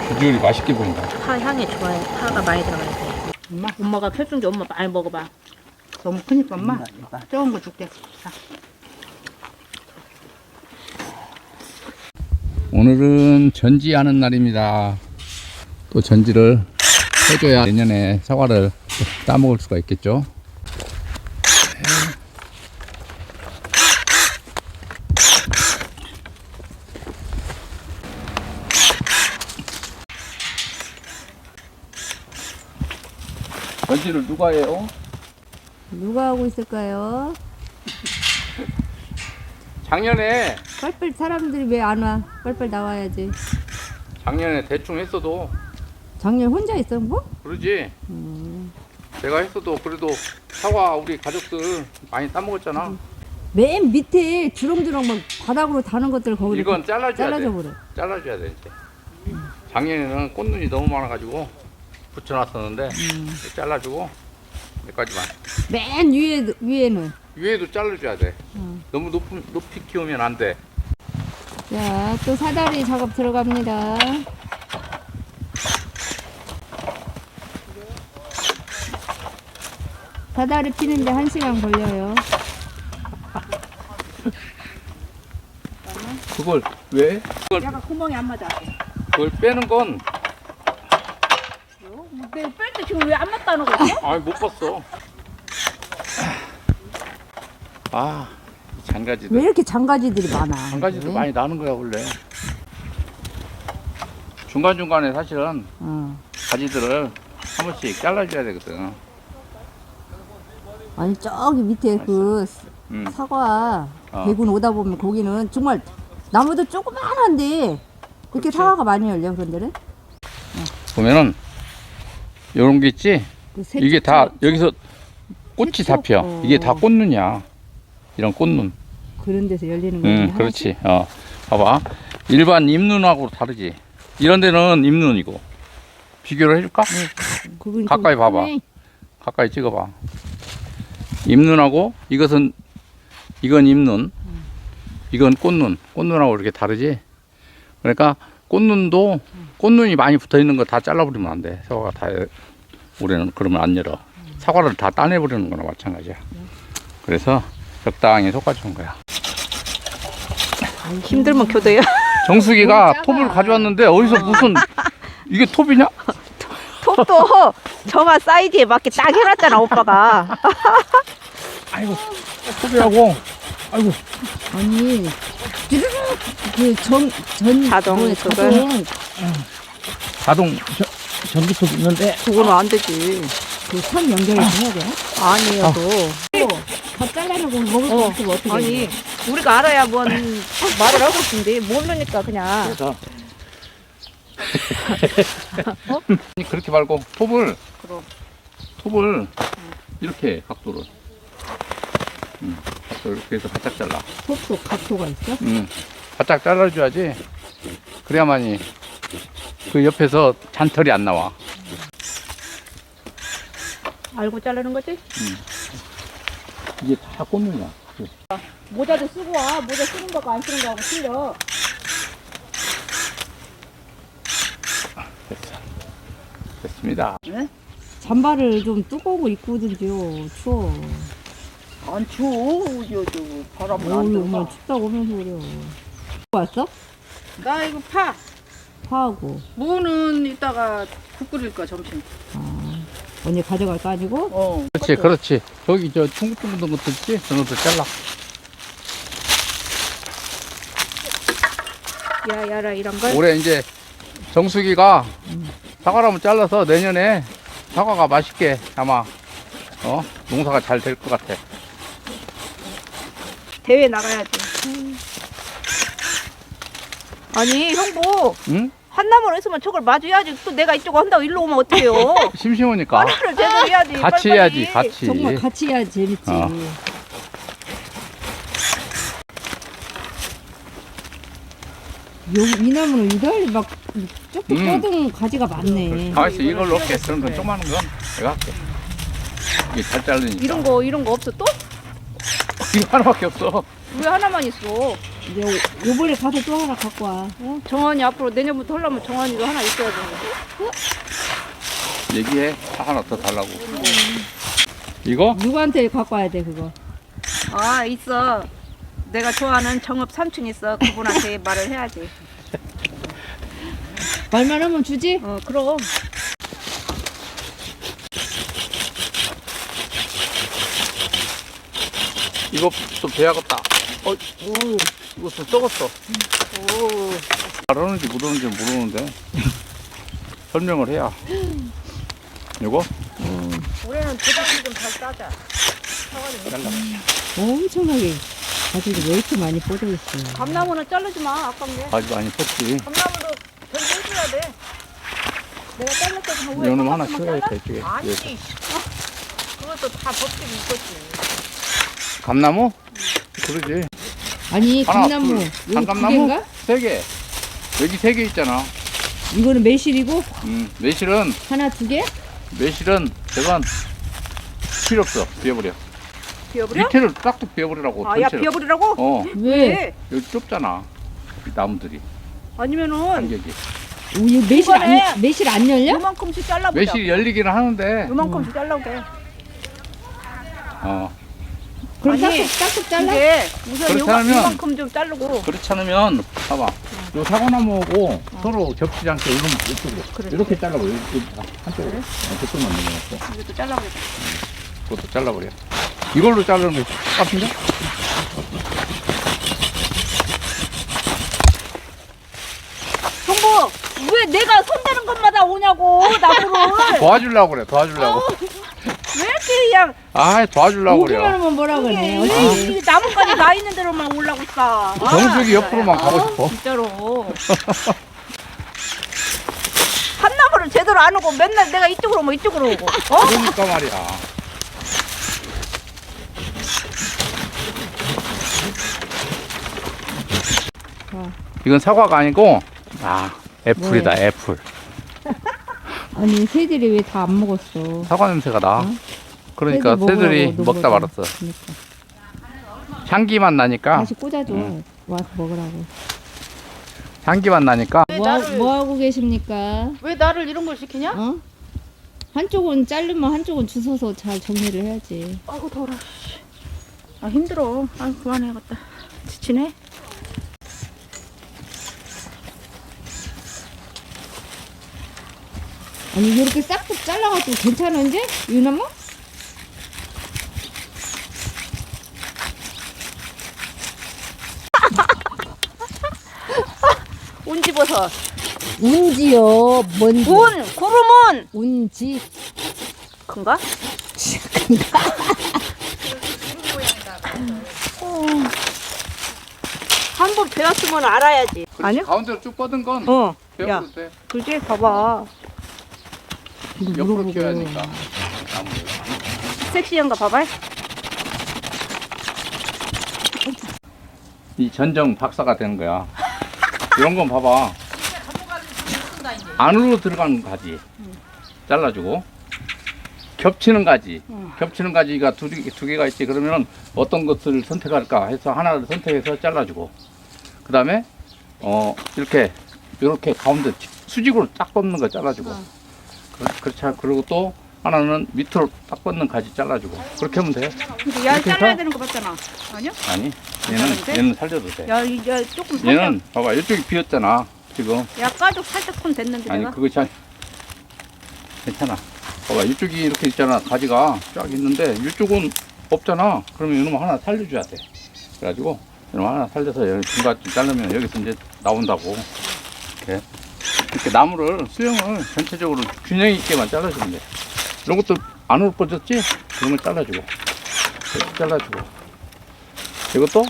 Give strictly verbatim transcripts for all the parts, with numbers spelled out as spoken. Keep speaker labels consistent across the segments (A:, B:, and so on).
A: 비주얼이 맛있게 보인다.
B: 파 향이 좋아요. 파가 많이 들어가야 돼.
C: 엄마
B: 엄마가 펴준 게 엄마 많이 먹어봐.
C: 너무 크니까 엄마 적은 거 줄게. 자.
A: 오늘은 전지하는 날입니다. 또 전지를 해줘야 내년에 사과를 따먹을 수가 있겠죠. 전지를 누가 해요?
D: 누가 하고 있을까요?
A: 작년에
D: 빨빨 사람들이 왜 안 와? 빨빨 나와야지.
A: 작년에 대충 했어도
D: 작년 혼자 있어 뭐?
A: 그러지.
D: 음.
A: 내가 했어도 그래도 사과 우리 가족들 많이 따먹었잖아.
D: 맨 밑에 주렁주렁 막 바닥으로 다는 것들 거기를
A: 이건 잘라줘야
D: 잘라줘
A: 돼.
D: 버려.
A: 잘라줘야 돼 이제. 작년에는 꽃눈이 너무 많아가지고 붙여놨었는데
D: 음.
A: 잘라주고 여기까지만.
D: 맨 위에 위에는.
A: 위에도 잘라줘야 돼.
D: 음.
A: 너무 높은 높이 키우면 안 돼.
D: 자, 또 사다리 작업 들어갑니다. 사다리 피는데 한 시간 걸려요.
A: 그걸 왜? 그걸
B: 약간 구멍이 안 맞아.
A: 그걸 빼는 건
B: 내가 뺄 때 지금 왜 안 맞다는 거지?
A: 아니 못 봤어. 아 장가지들.
D: 왜 이렇게 장가지들이 많아?
A: 장가지도
D: 왜?
A: 많이 나는 거야 원래. 중간 중간에 사실은
D: 어.
A: 가지들을 한 번씩 잘라줘야 되거든.
D: 아니 저기 밑에 그
A: 음.
D: 사과
A: 어.
D: 대군 오다 보면 거기는 정말 나무도 조그만한데 이렇게
A: 그렇지.
D: 사과가 많이 열려 그런 데는?
A: 보면은 요런 게 있지.
D: 그 새-
A: 이게 다
D: 새-
A: 여기서 꽃이
D: 새초-
A: 다 펴.
D: 어.
A: 이게 다 꽃눈이야. 이런 꽃눈.
D: 그런 데서 열리는 거지.
A: 응, 그렇지. 어, 봐봐. 일반 잎눈하고 다르지. 이런 데는 잎눈이고. 비교를 해줄까?
D: 그건 좀
A: 가까이 봐봐.
D: 크네.
A: 가까이 찍어봐. 잎눈하고 이것은 이건 잎눈, 이건 꽃눈. 꽃눈하고 이렇게 다르지. 그러니까 꽃눈도 꽃눈이 많이 붙어 있는 거 다 잘라버리면 안 돼. 사과가 다 올해는 그러면 안 열어. 사과를 다 따내버리는 거나 마찬가지야. 그래서 적당히 솎아주는 거야.
B: 힘들면 교대요.
A: 정수기가 톱을 가져왔는데 어디서 무슨 이게 톱이냐?
B: 톱도 저가 사이즈에 맞게 딱 해놨잖아 오빠가.
A: 아이고 톱이라고. 아이고
D: 아니 그전전
B: 자동 그걸.
D: 자동
A: 자동 전기톱 있는데
B: 그거는 안 되지.
D: 그선 연결해서 해야 돼?
B: 아니에요.
A: 아.
D: 다 잘라내고 먹을 수
B: 어,
D: 없으면 어떻게
B: 아니
D: 해?
B: 우리가 알아야 뭔 말을 하고 있는데 모르니까 그냥.
A: 그래서 아니, 그렇게 말고 톱을
B: 그럼.
A: 톱을 이렇게 각도를 음, 각도 이렇게 해서 바짝 잘라.
D: 톱도 각도가 있어?
A: 음, 바짝 잘라줘야지. 그래야만이 그 옆에서 잔털이 안 나와.
B: 알고 자르는 거지?
A: 이게 다 꽃눈이야.
B: 모자도 쓰고 와. 모자 쓰는 거고 안 쓰는 거하고 틀려.
A: 됐어. 됐습니다.
D: 잠바를 좀 두꺼운 거 입고 오든지요. 추워.
C: 안 추워. 저, 저, 바람은 안
D: 어이
C: 들어.
D: 엄마 춥다고 하면서 그래요. 왔어?
C: 나 이거 파.
D: 파하고.
C: 무는 이따가 국 끓일 거야 점심.
D: 아, 언니 가져갈 거 아니고?
C: 어.
A: 그렇지, 그렇지. 저기 저 둥글둥글한 것도 있지? 그런 것도 잘라.
B: 야 야라 이런 걸.
A: 올해 이제 정수기가 사과나무 잘라서 내년에 사과가 맛있게 아마 어 농사가 잘 될 것 같아.
B: 대회 나가야지. 아니 형부
A: 응?
B: 한나무로 했으면 저걸 마주해야지. 또 내가 이쪽 한다고 일로 오면 어떡해요.
A: 심심하니까
B: 빨리를 제대로 해야지.
A: 같이
B: 빨리빨리.
A: 해야지, 같이.
D: 정말 같이 해야 재밌지.
A: 어.
D: 여기 이 나무는 이달리 막 조금
A: 음.
D: 뻗은 가지가 많네.
A: 가만있어, 이걸로 할게. 그런 건 조그마한 건 내가 할게. 이게 잘 자르니까.
B: 이런 거 이런 거 없어 또?
A: 이거 하나밖에 없어.
B: 왜 하나만 있어?
D: 이제 요- 요번에 가서 또 하나 갖고 와.
B: 어? 정원이 앞으로 내년부터 하려면 정원이도 하나 있어야 되는데.
A: 얘기해. 하나 더 달라고. 이거?
D: 누구한테 갖고 와야 돼 그거?
B: 아 있어. 내가 좋아하는 정읍 삼촌 있어. 그분한테 말을 해야지.
D: 말만 하면 주지?
B: 어 그럼.
A: 이거 또 배야겠다. 어, 오, 이거 또 썩었어.
B: 오.
A: 잘하는지 못하는지 모르는데. 설명을 해야. 이거?
B: 올해는 도대체 좀잘 따자.
A: 잘라.
D: 엄청나게 가지고 왜 이렇게 많이 뻗어 있어?
B: 감나무는 자르지 마. 아깝네.
A: 아주 많이 컸지.
B: 감나무도 전해줘야 돼. 내가 잘랐을 때 후에
A: 이놈 하나
B: 깜빡깜빡
A: 키워야겠다,
B: 잘라?
A: 이쪽에.
B: 아니.
A: 위에서.
B: 어? 그것도 다 법칙이 있었지.
A: 감나무? 그러지.
D: 아니
A: 하나,
D: 감나무
A: 둘.
D: 여기 두
A: 단감나무?
D: 개인가?
A: 세 개. 여기 세 개 있잖아.
D: 이거는 매실이고
A: 음, 매실은,
D: 하나 두 개?
A: 매실은, 저건 필요 없어. 비워버려.
B: 비워버려?
A: 밑에를 싹둑 비워버리라고.
B: 아, 야
A: 전체를.
B: 비워버리라고?
A: 어,
D: 왜?
A: 여기 좁잖아. 이 나무들이.
B: 아니면은
A: 간격이.
D: 오, 이거 매실
B: 이번에
D: 안 매실 안 열려?
B: 요만큼씩 잘라보자.
A: 매실이 열리기는 하는데,
B: 요만큼씩 잘라보게.
A: 어,
D: 그럼
B: 아니,
D: 싹둑 싹둑 잘라?
B: 이게 우선
A: 그렇지
B: 요만,
A: 않으면-
B: 요만큼 좀 자르고.
A: 그렇지 않으면, 봐봐. 요 사과나무하고 서로 겹치지 않게 이런 이쪽으로.
B: 그래.
A: 이렇게 잘라버려. 이렇게 한쪽으로. 어, 저쪽만 넘어갔어.
B: 이것도 잘라보자.
A: 그것도 잘라버려. 이걸로 자르는 게 똑같은데?
B: 정보 왜 내가 손대는 것마다 오냐고 나무를.
A: 도와주려고 그래, 도와주려고.
B: 왜 이렇게 그냥
A: 아, 도와주려고
D: 오기만
A: 그래요.
D: 하면 뭐라 그러네.
B: 이게,
D: 어찌?
B: 이게 나뭇가지 나 있는 대로만 올라고 있어. 아,
A: 정수기 옆으로만 가고
B: 아,
A: 싶어.
B: 진짜로. 한 나무를 제대로 안 오고 맨날 내가 이쪽으로 오면 이쪽으로 오고. 어?
A: 그러니까 말이야.
D: 어.
A: 이건 사과가 아니고, 아, 애플이다, 애플.
D: 아니 새들이 왜 다 안 먹었어?
A: 사과 냄새가 나.
D: 어?
A: 그러니까
D: 새들
A: 새들이
D: 먹으라고
A: 먹다
D: 놓은
A: 말았어.
D: 거다. 그러니까.
A: 향기만 나니까,
D: 다시 꽂아줘.
A: 응.
D: 와서 먹으라고.
A: 향기만 나니까,
B: 왜
D: 뭐,
B: 나를-
D: 뭐 하고 계십니까?
B: 왜 나를 이런 걸 시키냐?
D: 어? 한쪽은 자르면 한쪽은 주워서 잘 정리를 해야지.
B: 아이고 더워. 아 힘들어. 아 그만해야겠다. 지치네.
D: 아니 이렇게 싹둑 잘라가지고 괜찮아 이제? 유나무?
B: 운지버섯.
D: 운지요. 뭔지?
B: 운 구름은
D: 운지.
B: 큰가? 한 번 배웠으면 알아야지. 아니요?
A: 가운데로 쭉 뻗은 건
B: 어. 야,
A: 배워도 돼.
B: 그지? 봐봐.
A: 옆으로 키워야니까. 나무를.
B: 섹시한가 봐봐.
A: 이 전정 박사가 되는 거야. 이런 건 봐봐. 안으로 들어가는 가지 잘라주고, 겹치는 가지,
B: 응.
A: 겹치는 가지가 두, 개- 두 개가 있지. 그러면 어떤 것을 선택할까 해서 하나를 선택해서 잘라주고, 그 다음에 어 이렇게 이렇게 가운데 수직으로 딱 뻗는 거 잘라주고,
B: 응.
A: 그, 그렇지 않- 그리고 또 하나는 밑으로 딱 뻗는 가지 잘라주고, 그렇게 하면 돼.
B: 근데 야
A: 이렇게
B: 잘라야
A: 해서?
B: 되는 거 맞잖아. 아니요?
A: 아니,
B: 괜찮은데?
A: 얘는 얘는 살려도 돼.
B: 야, 이- 야 조금 살짝.
A: 얘는 봐봐, 이쪽이 비었잖아 지금.
B: 야 가죽 살짝 손 댔는데
A: 아니
B: 내가.
A: 그것이 아니 괜찮아. 봐봐, 이쪽이 이렇게 있잖아. 가지가 쫙 있는데 이쪽은 없잖아. 그러면 이놈 하나 살려줘야 돼. 그래가지고 이놈 하나 살려서 여기 중간쯤 자르면 여기서 이제 나온다고. 이렇게 이렇게 나무를 수영을 전체적으로 균형 있게만 잘라주면 돼. 이런 것도 안으로 뻗었지? 그런 걸 잘라주고, 이렇게 잘라주고, 이것도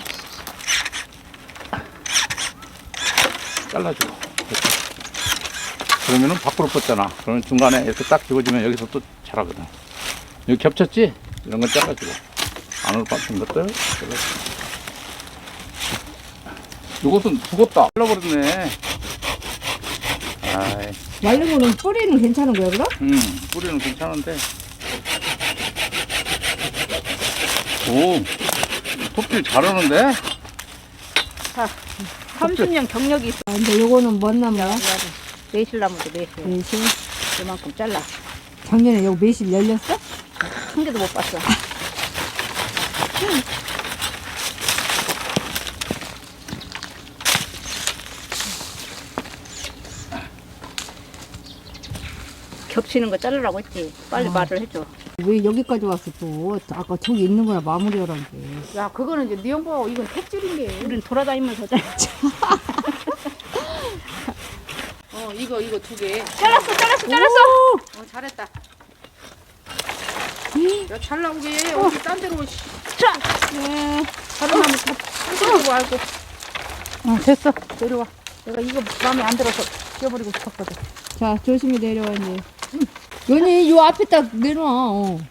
A: 잘라주고. 이렇게. 그러면은 밖으로 뻗잖아. 그러면 중간에 이렇게 딱 집어주면 여기서 또 자라거든. 여기 겹쳤지? 이런 건 잘라주고, 안으로 뻗은 것들 잘라주고. 이것은 죽었다. 잘라버렸네. 아이,
D: 말르고는 뿌리는 괜찮은 거야 그럼?
A: 음, 뿌리는 괜찮은데. 오, 톱질 잘하는데?
B: 삼십 년 경력이 있어.
D: 아, 근데 요거는 뭔 나무야?
B: 매실나무도 매실.
D: 매실.
B: 이만큼 잘라.
D: 작년에 여기 매실 열렸어?
B: 한 개도 못 봤어. 겹치는 거 자르라고 했지. 빨리
D: 어.
B: 말을 해줘.
D: 왜 여기까지 왔어 또? 아까 저기 있는 거나 마무리하란 게.
B: 야, 그거는 이제 네 형부하고 이건 택질인 게. 우린 돌아다니면서 잘랐지. 어, 이거 이거 두 개. 잘랐어, 잘랐어, 잘랐어. 어, 잘했다. 야, 잘 나오게. 어디 딴 데로. 씨. 자,
D: 네.
B: 다른 나무 다딴 데로 말고. 어, 됐어. 내려와. 내가 이거 마음에 안 들어서 지워버리고 싶었거든.
D: 자, 조심히 내려와 이제. 연이 요 앞에 딱 내려와. 어.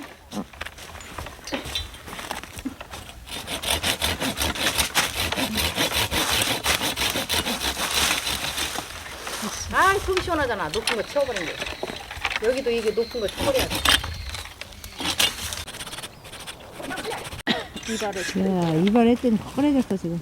B: 아, 속이 시원하잖아. 높은 거 치워버린 게. 여기도 이게 높은 거 치워버려야 돼. 이발을.
D: 야, 이발했더니 꺼내졌어 지금.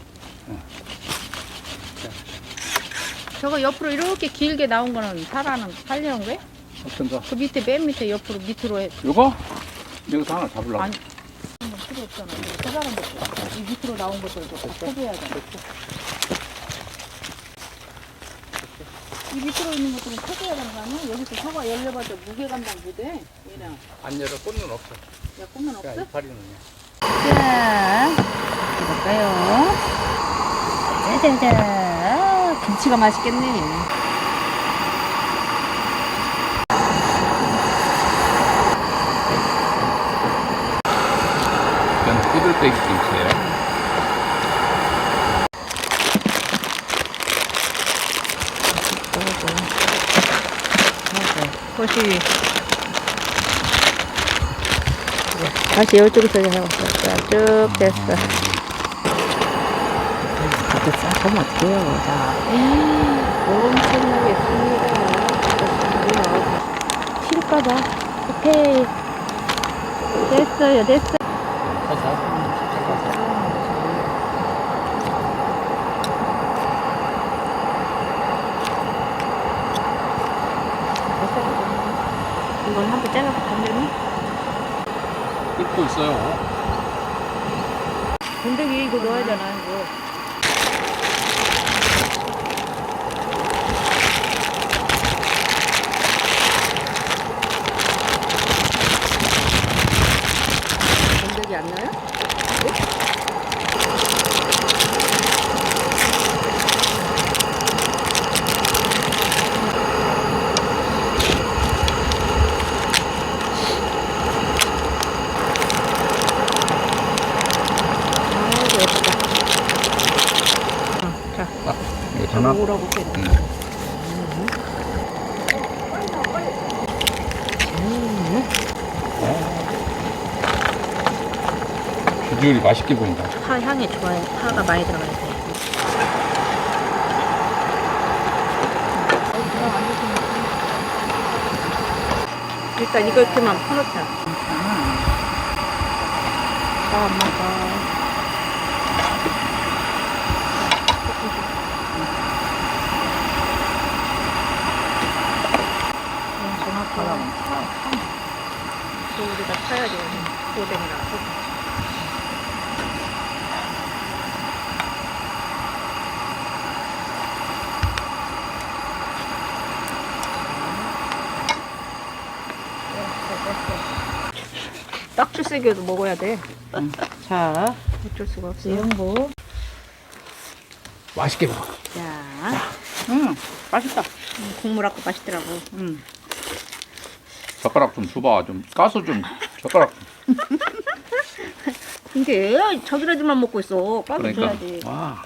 B: 저거 옆으로 이렇게 길게 나온 거는 살아는 살려는 거야?
A: 어떤 거?
B: 그 밑에 맨 밑에 옆으로 밑으로 해.
A: 요거? 여기서 하나 잡으려고.
B: 아니. 한번 필요 없잖아. 그 사람 것도 이 밑으로 나온 것들도 다 포기해야 돼. 이 밑으로 있는 것들은 포기해야 되는 거 아니야? 여기서 사과 열려봐도 무게 감당 못해. 얘랑.
A: 안 열어 꽃눈 없어.
B: 야, 꽃만 없어?
A: 이파리는.
B: 자, 해볼까요? 짜자자. 김치가 맛있겠네.
A: 이건 꾸들빼기 김치예요.
B: 꽃이. 다시 이쪽에서 해봤어. 자, 쭉 됐어. 이렇게 싸면 어떡해요. 자, 엄청나게 씁니다. 실까봐. 오케이. 됐어요, 됐어. 이걸 한번 잘라서 건드리면?
A: 끓고 있어요.
B: 건더기 이거 넣어야 되나, 이거. 건더기 안 넣어요? 아이고, 예쁘다. 어, 자,
A: 이거 하나.
B: 오라고 해.
A: 비주얼이 맛있게 보인다.
B: 파 향이 좋아요. 파가 많이 들어가야 돼. 일단 이렇게만 퍼놓자. 자, 엄마가. 정확하게 파. 우리가 파야지. 오뎅이라서. 딱줄세게도 먹어야 돼. 응. 자, 어쩔 수가 없어. 영보.
A: 맛있게 먹어.
B: 자,
C: 응, 맛있다.
B: 음, 국물 아까 맛있더라고.
C: 응.
A: 젓가락 좀 줘봐. 좀 까서 좀 젓가락.
B: 이게 저기라지만 먹고 있어. 까서
A: 그러니까.
B: 줘야지.
A: 와.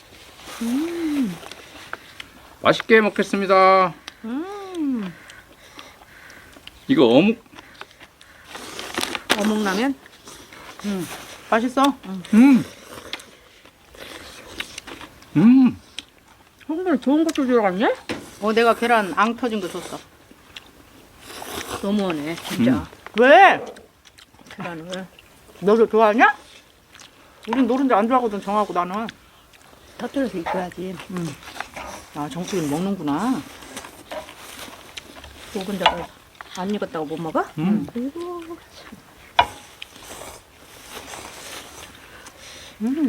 A: 맛있게 먹겠습니다.
B: 음,
A: 이거 어묵.
B: 어묵라면?
C: 응. 맛있어?
A: 음. 음.
B: 정말 좋은 것도 들어갔네?
C: 어, 내가 계란 앙 터진 거 줬어.
B: 너무하네, 진짜.
A: 음.
C: 왜?
B: 계란을.
C: 너도 좋아하냐? 우린 노른자 안 좋아하거든, 정하고 나는.
B: 터뜨려서 익혀야지. 응. 아, 정수이는 먹는구나. 묵은 자가 안 익었다고 못 먹어?
A: 음.
D: 그리고
B: 음.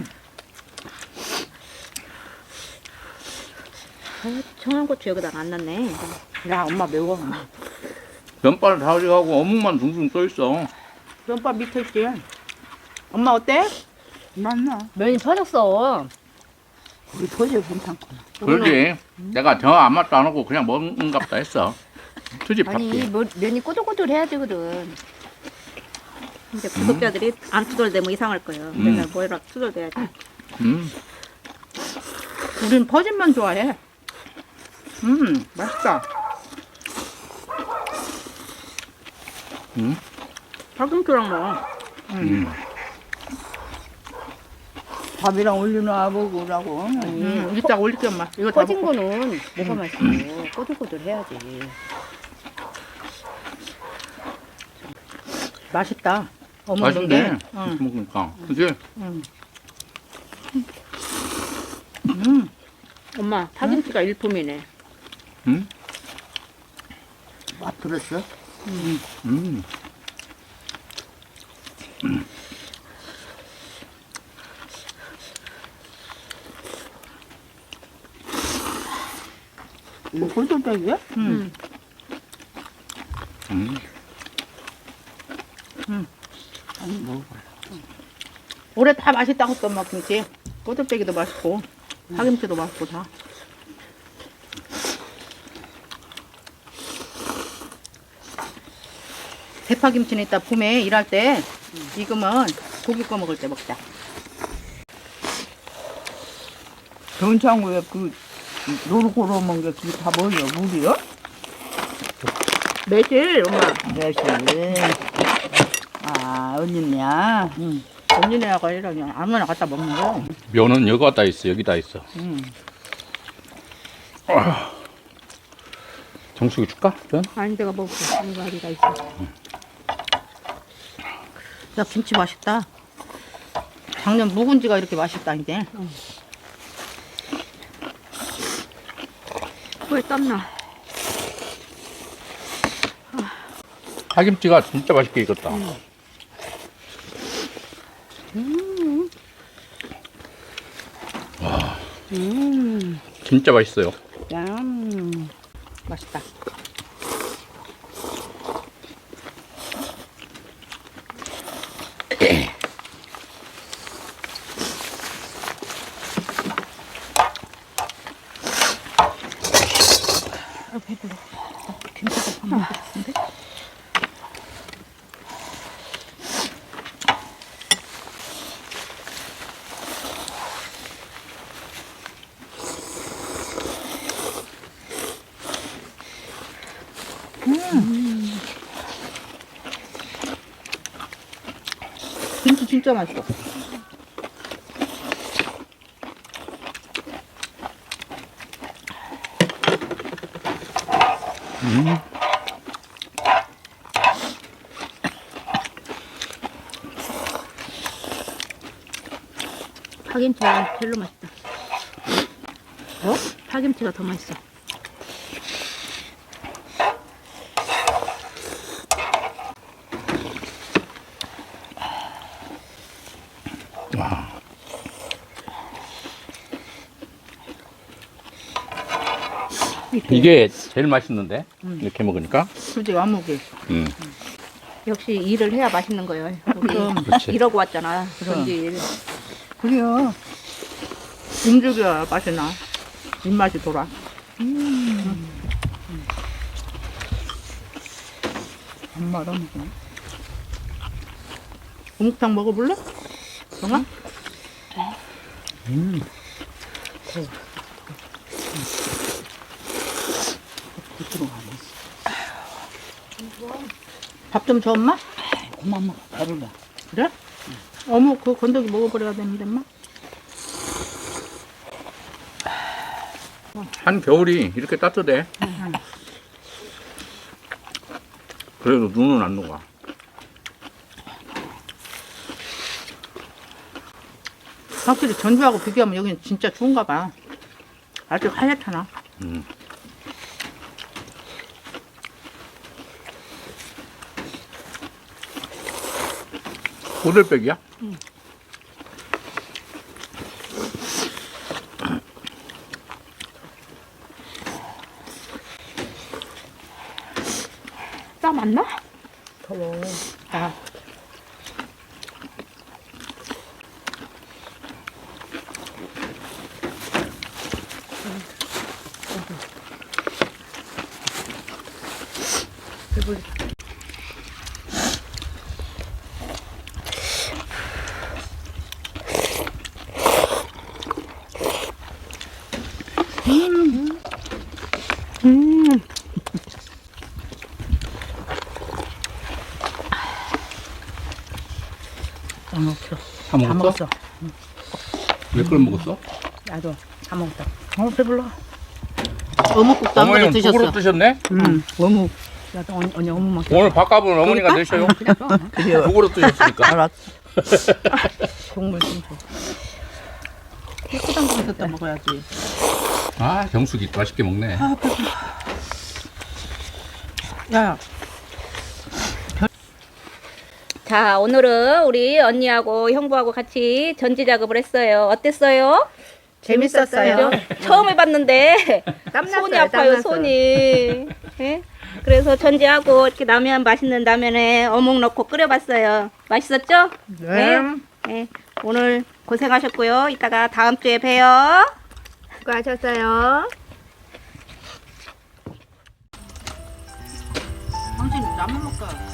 D: 아, 청양고추 여기다가 안 넣네.
B: 야, 엄마 매워.
A: 면발 다 가지고 어묵만 둥둥 떠 있어.
B: 면밥 밑에 있지. 엄마 어때?
C: 맞나?
D: 면이 퍼졌어.
C: 우리 도저히 괜찮구나.
A: 그러지. 내가 정 안 맛도 안 하고 그냥 먹은갑다 했어. 투집
D: 아니
A: 할게.
D: 뭐, 면이 꼬들꼬들해야 되거든. 근데 구독자들이 안 투덜대면 이상할 거예요.
A: 음.
D: 내가 뭐라 투덜대야지.
A: 음.
B: 우린 퍼진만 좋아해. 음, 맛있다.
A: 음.
B: 파김치랑 먹어.
A: 음.
C: 밥이랑 올려놔 먹으라고.
B: 음, 이따 올릴게, 엄마. 이거 다
D: 퍼진
B: 먹고.
D: 거는 뭐가 맛있어. 꼬들꼬들해야지.
B: 맛있다. 어묵
A: 맛있네.
B: 게. 응.
A: 이렇게 먹으니까. 그지?
B: 응. 음,
D: 엄마 파김치가 일품이네.
A: 음.
C: 맛 들었어?
A: 음.
C: 이거 골똘땡이야?
B: 음.
A: 음.
C: 아니 먹어봐.
B: 올해 다 맛있다고 했던 엄마 김치. 꼬들빼기도 맛있고, 파김치도 맛있고 다. 대파김치는 이따 봄에 일할 때 익으면 고기 꺼 먹을 때 먹자.
C: 전창구에 그 노릇고로 먹은 게 그게 다 뭐예요? 물이요?
B: 매실 엄마.
C: 매실. 아, 언니냐?
B: 응. 언니네가 아니라 그냥 아무나 갖다 먹는 거야.
A: 면은 여기 갖다 있어. 여기다 있어.
B: 응.
A: 정수기 줄까? 면?
D: 아니 내가 먹을게. 이거 어디가 있어.
B: 야, 김치 맛있다. 작년 묵은지가 이렇게 맛있다니까.
D: 왜 땀나?
A: 파김치가 진짜 맛있게 익었다. 와,
B: 음,
A: 진짜 맛있어요.
B: 짠. 맛있다. 아, 배불러. 김치도 밥 먹고 싶은데? 음. 김치 진짜 맛있어.
A: 음.
D: 파김치가 별로 맛있다.
B: 어?
D: 파김치가 더 맛있어.
A: 와. 이게 제일 맛있는데? 이렇게 먹으니까?
B: 그지, 와무기.
A: 음.
D: 역시 일을 해야 맛있는 거예요. 우리
B: 그럼.
A: 그렇지.
D: 이러고 왔잖아.
B: 그럼.
D: 전질.
B: 그래요. 음식이야 맛이 나. 입맛이 돌아. 음. 안 말아 먹어. 어묵탕 먹어볼래? 정아?
A: 음.
B: 밥 좀 줘, 엄마?
C: 그만 먹어. 배불러.
B: 그래? 어묵 그 건더기 먹어버려야 되는데, 엄마?
A: 한 겨울이 이렇게 따뜻해. 그래도 눈은 안 녹아.
B: 확실히 전주하고 비교하면 여기는 진짜 추운가 봐. 아직 하얗잖아.
A: 음. 호들빼기야?
B: 싸 맞나? 더워. 아. 배불리. 음. 음. 다 먹었어.
A: 다
B: 다
A: 먹었어?
B: 먹었어.
A: 몇 그릇 먹었어?
B: 나도 다 먹었다. 어 배불러. 어묵국도 한 그릇
A: 어머니는 두
B: 드셨어.
A: 그릇 드셨네?
B: 응. 어묵. 나도 언니, 언니 어묵 먹자.
A: 오늘 밥값은 어머니가 내셔요.
C: 그래요.
A: 두 그릇 드셨으니까.
C: 알았어.
B: 국물 좀 줘. 깨끗한 그릇에다 먹어야지.
A: 아, 정수기 맛있게 먹네.
B: 야,
D: 자, 오늘은 우리 언니하고 형부하고 같이 전지 작업을 했어요. 어땠어요?
B: 재밌었어요.
D: 그죠? 처음 해봤는데
B: 땀났어요,
D: 손이 아파요,
B: 땀났어.
D: 손이. 예? 그래서 전지하고 이렇게 라면 맛있는 라면에 어묵 넣고 끓여봤어요. 맛있었죠?
B: 네.
D: 예. 오늘 고생하셨고요. 이따가 다음 주에 봬요.
B: 수고하셨어요. 당신 라면 먹자.